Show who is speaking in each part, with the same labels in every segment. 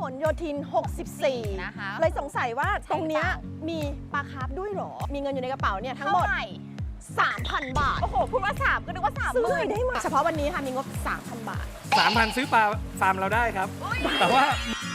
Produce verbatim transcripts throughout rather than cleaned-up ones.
Speaker 1: หลโยธินหกสิบสี่นะคะเลยสงสัยว่าตรงเนี้ยมีปลาคาร์ฟด้วยหรอมีเงินอยู่ในกระเป๋าเนี่ยทั้งหมด สามพัน บาทโอ้โหพูดว่าสามก็นึกว่าสามซื้อได้ไหมเฉพาะวันนี้ค่ะมีงบ สามพัน บาท
Speaker 2: สามพัน ซื้อปลาฟาร์มเราได้ครับแต่ว่า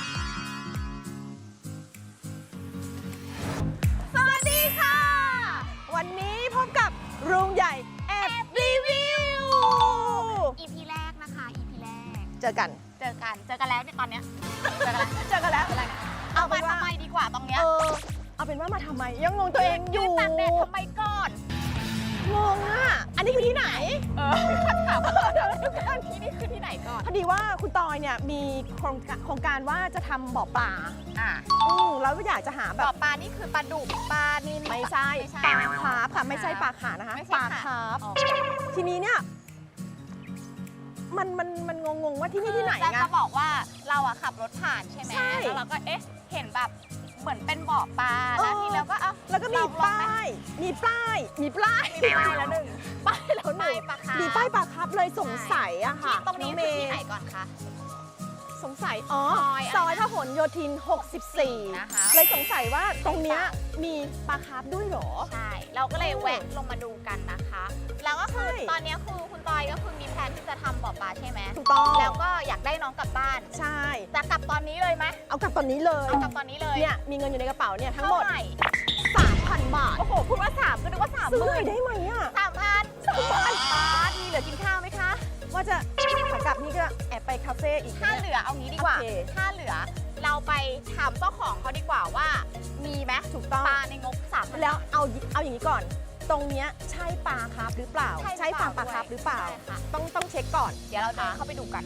Speaker 1: สวัสดีค่ะวันนี้พบกับลุงใหญ่แอบรีวิว
Speaker 3: อี พี แรกนะคะ อี พี แรก
Speaker 1: เจอกัน
Speaker 3: เจอกันเจอกันแล้วเนี่ยตอนเนี้ยเจอกันแล้ว
Speaker 1: เจอกันแล้ว
Speaker 3: เอามาทำไมดีกว่าตรงเนี้ย
Speaker 1: เออเอาเป็นว่ามาทำไมยังงงตัวเองอยู่
Speaker 3: ตากแดดทำไมก่อน
Speaker 1: งงอ่ะอันนี้คือที่ไหน
Speaker 3: เออถามว่าเดี๋ยวทุกคนที่นี่คือที่ไหนก่อน
Speaker 1: พอดีว่าคุณตอยเนี่ยมีโครงการโครงการว่าจะทำบ่อปลา
Speaker 3: อ่ะ
Speaker 1: อืมแล้วอยากจะหาแบบ
Speaker 3: บ่อปลานี่คือปลาดุกปลานิล
Speaker 1: ไม่ใช่ปลาคาร์ฟค่ะไม่ใช่ปลาขานะคะปลาคาร์ฟทีนี้เนี่ยมันมันมันงงๆว่าที่นี่ที่ไหนไง
Speaker 3: จะบอกว่าเราอะขับรถผ่านใช่ไหมแล้วเราก็เอ๊ะเห็นแบบเหมือนเป็นบ่อปลาแล้วทีแล้วก็เอ้า
Speaker 1: แล้วก็มีป้ายมีป้ายมีป้าย
Speaker 3: มีป้ายแล้วหนึ่ง
Speaker 1: ป้ายแล้วหนึ่งมีป้ายปลาคาร์ฟเลยสงสัยอะค่ะ
Speaker 3: ตรงนี้คือที่ไหนก่อนคะ
Speaker 1: สงสัยอ๋อซอยพหลโยธินหกสิบสี่นะคะเลยสงสัยว่าตรงเนี้ยมีปลาคาร์ฟด้วยหรอ
Speaker 3: ใช่เราก็เลยแวะลงมาดูกันนะคะแล้วก็คือตอนนี้คือคุณตอยก็คือมีแผนที่จะทำบ่อปลาใช่ไหม
Speaker 1: ถูกต้อง
Speaker 3: แล้วก็อยากได้น้องกลับบ้าน
Speaker 1: ใช่
Speaker 3: จะกลับตอนนี้เลยไหม
Speaker 1: เอากลับตอนนี้เลย
Speaker 3: เอากลับตอนนี้เลย
Speaker 1: เนี่ยมีเงินอยู่ในกระเป๋าเนี่ยทั้งหมด สามพัน บาท
Speaker 3: โอ้โหพูดว่าสามก็นึกว่าสาม
Speaker 1: ซื้อหน่อยได้ไหมอ่ะ
Speaker 3: สามพันสามพันบาทมีเหลือกินข้าวไหมคะ
Speaker 1: ว่าจะขากลับนี่ก็แอบไปคาเฟ่อีก
Speaker 3: ถ้าเหลือเอางี้ดีกว่าถ้าเหลือเราไปถามเจ้าของเขาดีกว่าว่ามีไหม
Speaker 1: ถูกต้อง
Speaker 3: ปลาในงบสามพัน
Speaker 1: แล้วเอาเอาอย่างนี้ก่อนตรงเนี้ยใช่ปลาคาร์ฟหรือเปล่าใช่ฟาร์มปลาคาร์ฟหรือเปล่าต้องต้องเช็คก่อน
Speaker 3: เดี๋ยวเราเดินเข้าไปดูกัน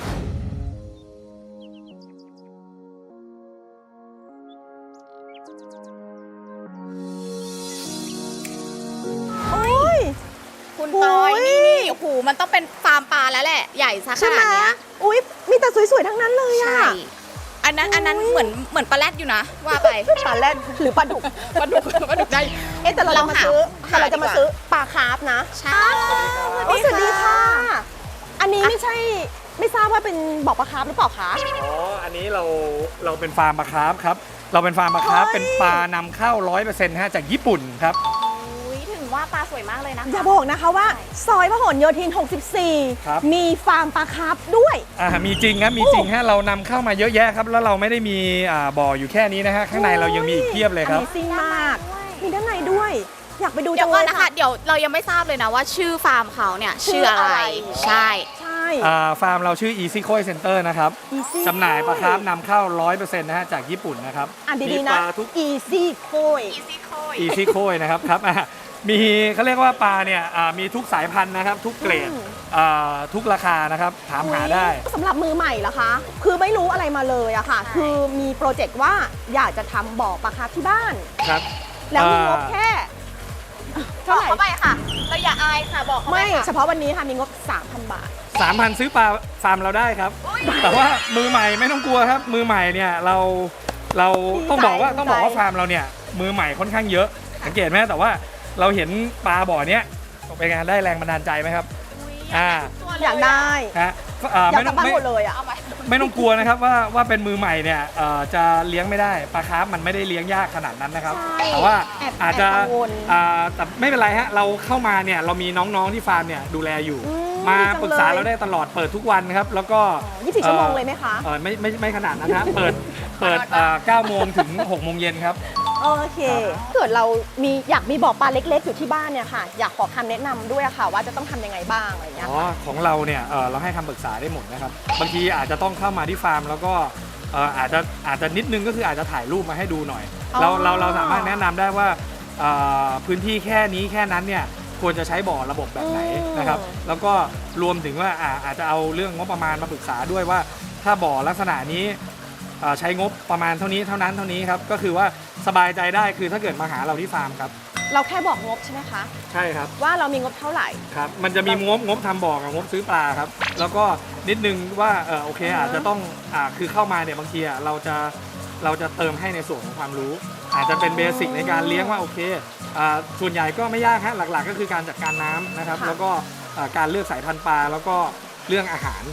Speaker 3: คุณตอยนี่นี่โอ้โหมันต้องเป็นฟาร์มปลาแล้วแหละใหญ่ซะขนาดนี้
Speaker 1: อุ้ยมีแต่สวยๆทั้งนั้นเลยอ่ะ
Speaker 3: อันนั้นอันนั้นเหมือนเหมือนปลาแรดอยู่นะว่าไป
Speaker 1: ปลาแรดหรือปลาดุก
Speaker 3: ปลาดุกปลาดุกได้
Speaker 1: เอ๊ะแต่เราจะมาซื้อแต่เราจะมาซื้อปลาคาร์ฟนะ
Speaker 3: ใช่
Speaker 1: สวัสดีค่ะอันนี้ไม่ใช่ไม่ทราบว่าเป็นบ่อปลาคาร์ฟหรือเปล่าคะ
Speaker 2: อ๋ออันนี้เราเราเป็นฟาร์มปลาคาร์ฟครับเราเป็นฟาร์มปลาคาร์ฟเป็นปลานำเข้า ร้อยเปอร์เซ็นต์ ฮะจากญี่ปุ่นครับ
Speaker 3: ว่าปลาสวยมากเลยนะคะ
Speaker 1: อย่าบอกนะคะว่าซอยพหลโยธินหกสิบสี่มีฟาร์มปลาคาร์ฟด้วย
Speaker 2: อ่ามีจริงครับมีจริงฮะเรานำเข้ามาเยอะแยะครับแล้วเราไม่ได้มีอ่าบ่ออยู่แค่นี้นะฮะข้างในเรายังมีอีกเพียบเลยครับ
Speaker 1: ซิ่งมากมีด้านในด้วยอยากไปดู
Speaker 3: จังเลยนะคะเดี๋ยวเรายังไม่ทราบเลยนะว่าชื่อฟาร์มเขาเนี่ยชื่ออะไรใช่
Speaker 1: ใช่
Speaker 2: อ่าฟาร์มเราชื่อ Easy Koi Center นะครับจำหน่ายปลาคาร์ฟนำเข้า ร้อยเปอร์เซ็นต์ นะฮะจากญี่ปุ่นนะครับ
Speaker 1: อ่านดีๆนะ Easy Koi
Speaker 2: Easy Koi นะครับครับมีเขาเรียกว่าปลาเนี่ยมีทุกสายพันธุ์นะครับทุกเกรดทุกราคานะครับถามหาได้
Speaker 1: สำหรับมือใหม่เหรอคะคือไม่รู้อะไรมาเลยอะค่ะคือมีโปรเจกต์ว่าอยากจะทำบ่อปลาคาร์ฟที่บ้าน
Speaker 2: ครับ
Speaker 1: แล้วมีงบแค่
Speaker 3: เท่าไหร่เข้าไปค่ะเราอย่าอายค่ะบอก
Speaker 1: ไม่เฉพาะวันนี้ค่ะมีงบ สามพัน บาท
Speaker 2: สามพัน ซื้อปลาฟาร์มเราได้ครับแต่ว่ามือใหม่ไม่ต้องกลัวครับมือใหม่เนี่ยเราเราต้องบอกว่าต้องบอกว่าฟาร์มเราเนี่ยมือใหม่ค่อนข้างเยอะสังเกตไหมแต่ว่าเราเห็นปลาบ่อเนี้ยเป็นไงได้แรงบันดาลใจไหมครับ
Speaker 1: อ่าอยากได้
Speaker 2: ฮะ
Speaker 1: ไม่ต้องไม่เลยอ่ะ
Speaker 2: ไม่ต้องกลัวนะครับว่าว่าเป็นมือใหม่เนี่ยจะเลี้ยงไม่ได้ปลาคาร์ฟมันไม่ได้เลี้ยงยากขนาดนั้นนะครับแต่ว่าอาจจะแต่ไม่เป็นไรฮะเราเข้ามาเนี่ยเรามีน้องๆที่ฟาร์มเนี่ยดูแลอยู่มาปรึกษาเราได้ตลอดเปิดทุกวันครับแล้วก็
Speaker 1: ยี่สิบสี่ชั่วโมงเลยไหมคะ
Speaker 2: ไม่ไม่ไม่ขนาดนั้นนะเปิดเปิดเก้าโมงถึงหกโมงเย็นครับ
Speaker 1: โอเคเกิดเรามีอยากมีบ่อปลาเล็กๆอยู่ที่บ้านเนี่ยค่ะอยากขอคำแนะนำด้วยค่ะว่าจะต้องทำยังไงบ้างอะไรเงี้ย
Speaker 2: อ๋อของเราเนี่ยเราให้คำปรึกษาได้หมดนะครับบางทีอาจจะต้องเข้ามาที่ฟาร์มแล้วก็อาจจะอาจจะนิดนึงก็คืออาจจะถ่ายรูปมาให้ดูหน่อยเราเราเราสามารถแนะนำได้ว่าพื้นที่แค่นี้แค่นั้นเนี่ยควรจะใช้บ่อระบบแบบไหนนะครับแล้วก็รวมถึงว่าอาจจะเอาเรื่องงบประมาณมาปรึกษาด้วยว่าถ้าบ่อลักษณะนี้ใช้งบประมาณเท่านี้เท่านั้นเท่านี้ครับก็คือว่าสบายใจได้คือถ้าเกิดมาหาเราที่ฟาร์มครับ
Speaker 1: เราแค่บอกงบใช่ไหมคะ
Speaker 2: ใช่ครับ
Speaker 1: ว่าเรามีงบเท่าไหร่
Speaker 2: ครับมันจะมีงบงบทำบ่อกับงบซื้อปลาครับแล้วก็นิดนึงว่าเออโอเคอาจจะต้องอ่าคือเข้ามาเนี่ยบางทีเราจะเราจะเติมให้ในส่วนของความรู้อาจจะเป็นเบสิกในการเลี้ยงว่าโอเคอ่าส่วนใหญ่ก็ไม่ยากฮะหลักๆก็คือการจัดการน้ำนะครับแล้วก็การเลือกสายพันธุ์ปลาแล้วก็เรื่องอาหาร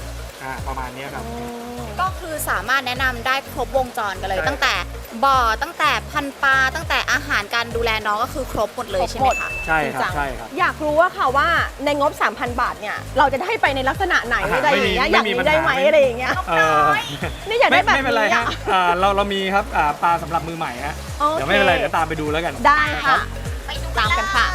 Speaker 2: อ่าประมาณนี้ครับ
Speaker 3: ก็คือสามารถแนะนำได้ครบวงจรกันเลย ตั้งแต่บ่อตั้งแต่พันปลาตั้งแต่อาหารการดูแลน้องก็คือครบหมดเลยใช่ไหมคะ
Speaker 2: ใช่ครับใช่ครับ
Speaker 1: อยากรู้ว่าค่ะว่าในงบ สามพัน บาทเนี่ยเราจะได้ไปในลักษณะไหนอะไรอย่างเงี้ยอยากมีได้ไหมอะไรอย่างเงี้ย
Speaker 2: เออ
Speaker 1: นี่อยากได้แบบ
Speaker 2: ไม่เป็นไร
Speaker 1: นี้
Speaker 2: ฮะ
Speaker 1: อะ
Speaker 2: อ่าเราเรามีครับอ่าปลาสำหรับมือใหม่ฮะ
Speaker 1: โอเค
Speaker 2: เดี๋ยวไม่เป็นไรเดี๋ยวตามไปดูแล้วกัน
Speaker 1: ได้ค่ะ
Speaker 3: ไปดู
Speaker 1: ตามกันค่ะ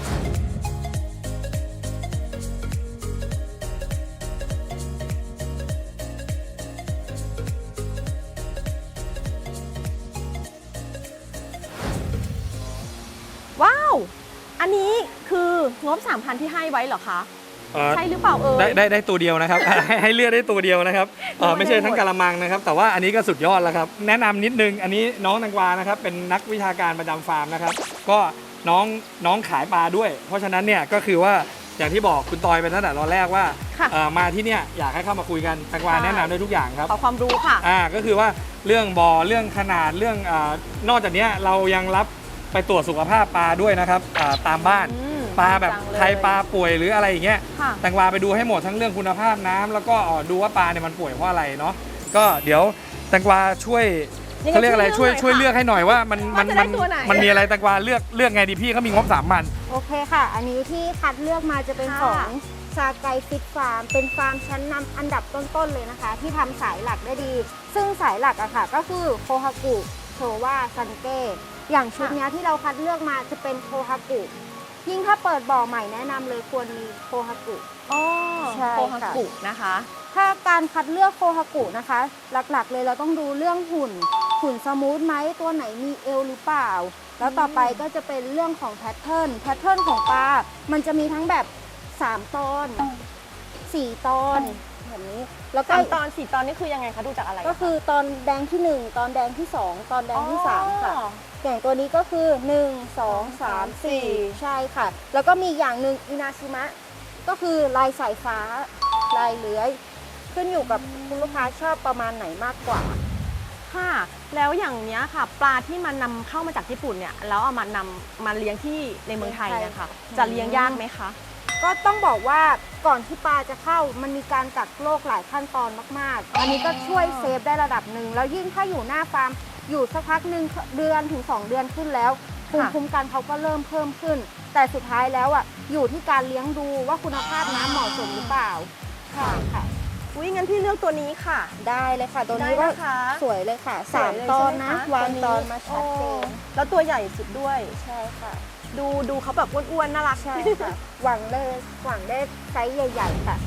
Speaker 1: ว้าว อันนี้คืองบ สามพัน ที่ให้ไว้เหรอคะ
Speaker 2: เอ่อ
Speaker 1: ใช่หรือเปล่าเอ่ย
Speaker 2: ได้ได้ได้ตัวเดียวนะครับ ให้ให้เลือกได้ตัวเดียวนะครับเอ่อไม่ใช่ทั้งกะละมังนะครับ แต่ว่าอันนี้ก็สุดยอดแล้วครับ แนะนำนิดนึง อันนี้น้องแตงกวานะครับ เป็นนักวิชาการประจำฟาร์มนะครับ ก็น้องน้องขายปลาด้วย เพราะฉะนั้นเนี่ยก็คือว่าอย่างที่บอกคุณตอยไปตั้งแต่ตอนแรกว่า
Speaker 1: ค่ะ
Speaker 2: เอ่อมาที่เนี่ยอยากให้เข้ามาคุยกันแตงกวา
Speaker 1: ใช่
Speaker 2: แนะนำได้ทุกอย่างครับ
Speaker 1: ขอความรู้ค่ะ
Speaker 2: อ่าก็คือว่าเรื่องบ่อเรื่องขนาดเรื่องอานอกจากเนี้ยเรายังรับไปตรวจสุขภาพปลาด้วยนะครับอ่าตามบ้าน
Speaker 1: อืม
Speaker 2: ปลาแบบ
Speaker 1: จังเลย
Speaker 2: ใครปลาป่วยหรืออะไรอย่างเงี้ย
Speaker 1: ค่ะ
Speaker 2: แตงกวาไปดูให้หมดทั้งเรื่องคุณภาพน้ำแล้วก็ดูว่าปลาเนี่ยมันป่วยเพราะอะไรเนาะก็เดี๋ยวแตงกวาช่วย
Speaker 1: ยังไง
Speaker 2: เขาเรียกอะไรช่วย
Speaker 1: ช่
Speaker 2: ช่
Speaker 1: ว
Speaker 2: วย ย
Speaker 1: เลื
Speaker 2: เลื
Speaker 1: อ
Speaker 2: อก ก
Speaker 1: ให้
Speaker 2: ให้หน่อยว่ามันมัน
Speaker 1: ว่าจะได้
Speaker 2: มัน
Speaker 1: ตัวไหน
Speaker 2: มันมีอะไรแตงกวาเลือกเลือกไงดีพี่เขามีงบสามพัน
Speaker 4: โอเคค่ะ อันนี้ที่คัดเลือกมาจะเป็น
Speaker 1: ค่ะ
Speaker 4: ของชาไกฟิตฟาร์ม เป็นฟาร์มชั้นนำอันดับต้นๆเลยนะคะ ที่ทำสายหลักได้ดี ซึ่งสายหลักอะค่ะก็คือโคฮากุโชวาซันเก้อย่างชุดเนี้ยที่เราคัดเลือกมาจะเป็นโคฮากุยิ่งถ้าเปิดบ่อใหม่แนะนำเลยควรมีโคฮากุ
Speaker 1: อ๋อ
Speaker 4: ใช่
Speaker 1: โคฮา
Speaker 4: ค่ะ
Speaker 1: กุนะคะ
Speaker 4: ถ้าการคัดเลือกโคฮากุนะคะ หลักๆเลยเราต้องดูเรื่องหุ่น หุ่นสมูทไหมตัวไหนมีเอวหรือเปล่า แล้วต่อไปก็จะเป็นเรื่องของแพทเทิร์นแพทเทิร์นของปลา มันจะมีทั้งแบบสามตอนสี่ตอนแบบนี้ แล้วก็
Speaker 1: สามตอนสี่ตอนนี่คือยังไงคะดูจากอะไร
Speaker 4: ก็คือตอนแดงที่หนึ่งตอนแดงที่สองตอนแดงที่สามค่ะ
Speaker 1: อ๋อ
Speaker 4: อย่างตัวนี้ก็คือหนึ่ง สอง สาม สี่
Speaker 1: สี่
Speaker 4: ใช่ค่ะ แล้วก็มีอย่างหนึ่งอินาชิมะก็คือลายสายฟ้า ลายเลื้อย ขึ้นอยู่กับคุณลูกค้าชอบประมาณไหนมากกว่า
Speaker 1: ค่ะ แล้วอย่างเนี้ยค่ะ ปลาที่มันนำเข้ามาจากญี่ปุ่นเนี่ยแล้วเอามานำมาเลี้ยงที่ในเมืองไทยเนี่ยค่ะ จะเลี้ยงยากไหมคะ
Speaker 4: ก็ต้องบอกว่าก่อนที่ปลาจะเข้ามันมีการกักโรคหลายขั้นตอนมากๆ อันนี้ก็ช่วยเซฟได้ระดับหนึ่ง แล้วยิ่งถ้าอยู่หน้าฟาร์มอยู่สักพักหนึ่งเดือนถึงสองเดือนขึ้นแล้วภูมิ
Speaker 1: ค่ะ
Speaker 4: คุ้มกันเขาก็เริ่มเพิ่มขึ้น แต่สุดท้ายแล้วอ่ะอยู่ที่การเลี้ยงดูว่าคุณภาพน้ำเหมาะสมหรือเปล่าค่ะค่ะ
Speaker 1: อุ้ยงั้นพี่เลือกตัวนี้ค่ะ
Speaker 4: ได้เลยค่ะ ตัวนี้
Speaker 1: ได้
Speaker 4: ก็
Speaker 1: นะคะ
Speaker 4: สวยเลยค่ะ
Speaker 1: ส
Speaker 4: สาว ม
Speaker 1: ยเลย
Speaker 4: ตอน
Speaker 1: ใช่ไห
Speaker 4: นะ
Speaker 1: คะ
Speaker 4: วาง
Speaker 1: นี้
Speaker 4: ตอนมาชัดเจน
Speaker 1: โอ้แล้วตัวใหญ่สุดด้วย
Speaker 4: ใช่ค่ะ
Speaker 1: ดูดูเขาแบบอ้วนๆน่ารัก
Speaker 4: ใช่ค่ะ หวังเลยหวังได้ไซส์ใหญ่ๆค่ะ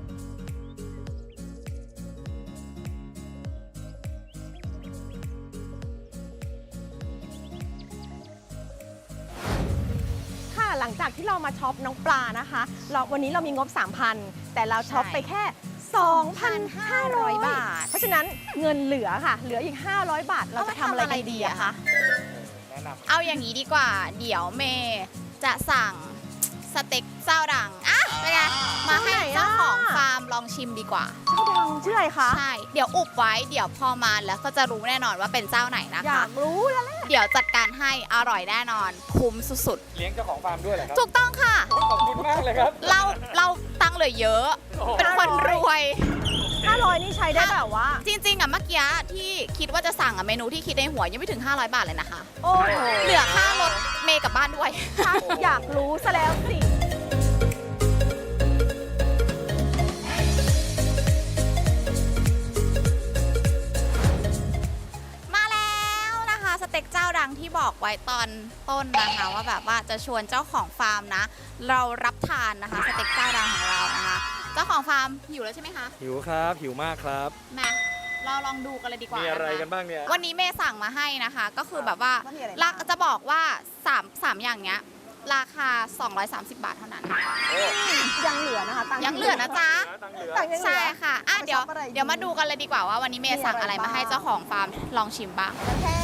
Speaker 1: ค่ะหลังจากที่เรามาช็อปน้องปลานะคะเราวันนี้เรามีงบ สามพัน แต่เราช็อปไปแค่ สองพันห้าร้อย บาท เพราะฉะนั้นเงินเหลือค่ะ เหลืออีก ห้าร้อย บาท เราจะทำอะไรกันดีอะคะ
Speaker 2: แนะนำ
Speaker 3: เอาอย่างนี้ดีกว่า เดี๋ยวเมย์จะสั่งสเต็กเจ้าดังอ่ะเป็นไงมาให้เจ้าของฟาร์มลองชิมดีกว่า
Speaker 1: เจ้าดังชื่ออะไรคะ
Speaker 3: ใช่ เดี๋ยวอุบไว้ เดี๋ยวพอมาแล้วก็จะรู้แน่นอนว่าเป็นเจ้าไหนนะ
Speaker 1: อยา
Speaker 3: คะ
Speaker 1: กรู้แล้วแหละ
Speaker 3: เดี๋ยวจัดการให้อร่อยแน่นอน คุ้มสุด
Speaker 2: เลี้ยงเจ้าของฟาร์มด้วยเหรอครั
Speaker 3: ๆ ถูกต้องค่ะ
Speaker 2: ขอบคุณมากเลยครับ
Speaker 3: เราเราตังค์เหลือเยอะ
Speaker 2: โอ้โห
Speaker 3: เป็นคนรวย
Speaker 1: ห้าร้อยนี่ใช้ได้แบบว่า
Speaker 3: จริงๆอ่ะเมื่อกี้ที่คิดว่าจะสั่งอ่ะเมนูที่คิดในหัวยังไม่ถึง ห้าร้อย บาทเลยนะคะ
Speaker 1: โอ้โห
Speaker 3: เหลือค่ารถเมย์กลับบ้านด้วย
Speaker 1: อยากรู้ซะแล้วสิ
Speaker 3: มาแล้วนะคะสเต็กเจ้าดังที่บอกไว้ตอนต้นนะคะว่าแบบว่าจะชวนเจ้าของฟาร์มนะ เรารับทานนะคะสเต็กเจ้าดังของเรานะคะ เจ้าของฟาร์มหิวแล้วใช่ไหมคะ
Speaker 2: หิวครับหิวมากครับ
Speaker 3: มาเราลองดูกันเลยดีกว่า
Speaker 2: มีอะไร
Speaker 3: นะคะ
Speaker 2: กันบ้างเนี่ย
Speaker 3: วันนี้เมย์สั่งมาให้นะคะ ก็คือแบบว่า
Speaker 1: ว่ามีอะไรบ้าง
Speaker 3: ราจะบอกว่า3 3อย่างเนี้ยราคา สองร้อยสามสิบ บาทเท่านั้น
Speaker 1: ยังเหลือนะคะตังค์
Speaker 3: ยังเหลือนะจ๊ะ
Speaker 2: ตังค์เหลือ
Speaker 1: ตังค์ยังเหลือ
Speaker 3: ใช่ค่ะอ่ะ
Speaker 1: เอาไป
Speaker 3: เดี๋ยว
Speaker 1: ช็อปอะไรดี
Speaker 3: เดี๋ยวมาดูกันเลยดีกว่าว่าวันนี้เมย์สั่งอะไร
Speaker 1: มีอะไร
Speaker 3: มาให้
Speaker 1: บ้าง
Speaker 3: เจ้าของฟาร์มลองชิมบ้าง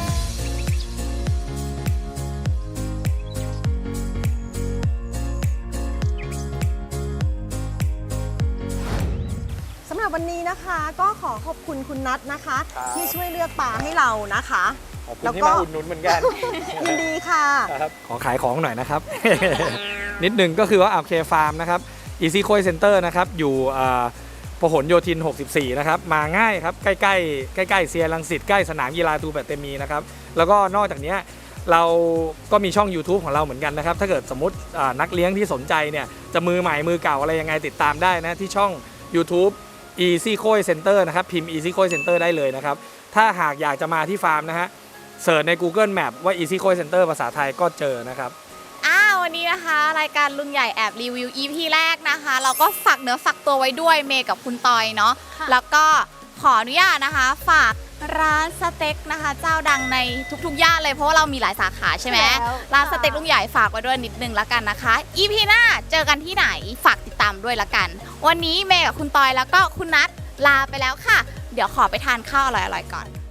Speaker 1: สำหรับวันนี้นะคะ ก็ขอขอบคุณคุณนัทนะคะ
Speaker 2: ครับ
Speaker 1: ที่ช่วยเลือกปลาให้เรานะคะ
Speaker 2: ขอบคุ
Speaker 1: แล้
Speaker 2: ณ
Speaker 1: ว
Speaker 2: ที่
Speaker 1: ก็
Speaker 2: มาอุดหนุนเหมือนกัน
Speaker 1: ยินดีค่ะ
Speaker 2: ครับขอขายของหน่อยนะครับ นิดหนึ่งก็คือว่าโอเคฟาร์มนะครับ Easy Koi Center นะครับอยู่อ่าพหลโยธินหกสิบสี่นะครับมาง่ายครับใกล้ๆใกล้ๆเซียรังสิตใกล้สนามกีฬาทูแบตเตมีนะครับแล้วก็นอกจากนี้เราก็มีช่อง ยูทูบ ของเราเหมือนกันนะครับถ้าเกิดสมมตินักเลี้ยงที่สนใจเนี่ยจะมือใหม่มือเก่าอะไรยังไงติดตามได้นะที่ช่อง ยูทูบ Easy Koi Center นะครับพิมพ์ Easy Koi Center ได้เลยนะครับถ้าหากอยากจะมาที่ฟาร์มนะฮะเสิร์ชใน Google Map ว่า Easy Koi Center ภาษาไทยก็เจอนะครับ
Speaker 3: อ้าววันนี้นะคะรายการลุงใหญ่แอบรีวิว อี พี แรกนะคะเราก็ฝากเนื้อฝากตัวไว้ด้วยเมย์กับคุณตอยเนาะแล้วก็ขออนุญาตนะคะฝากร้านสเต็กนะคะเจ้าดังในทุกๆย่านเลยเพราะว่าเรามีหลายสาขาใช่ไหมร้านสเต็กลุงใหญ่ฝากไว้ด้วยนิดนึงละกันนะคะ อี พี หน้าเจอกันที่ไหนฝากติดตามด้วยละกันวันนี้เมย์กับคุณตอยแล้วก็คุณนัทลาไปแล้วค่ะเดี๋ยวขอไปทานข้าวอร่อยๆก่อน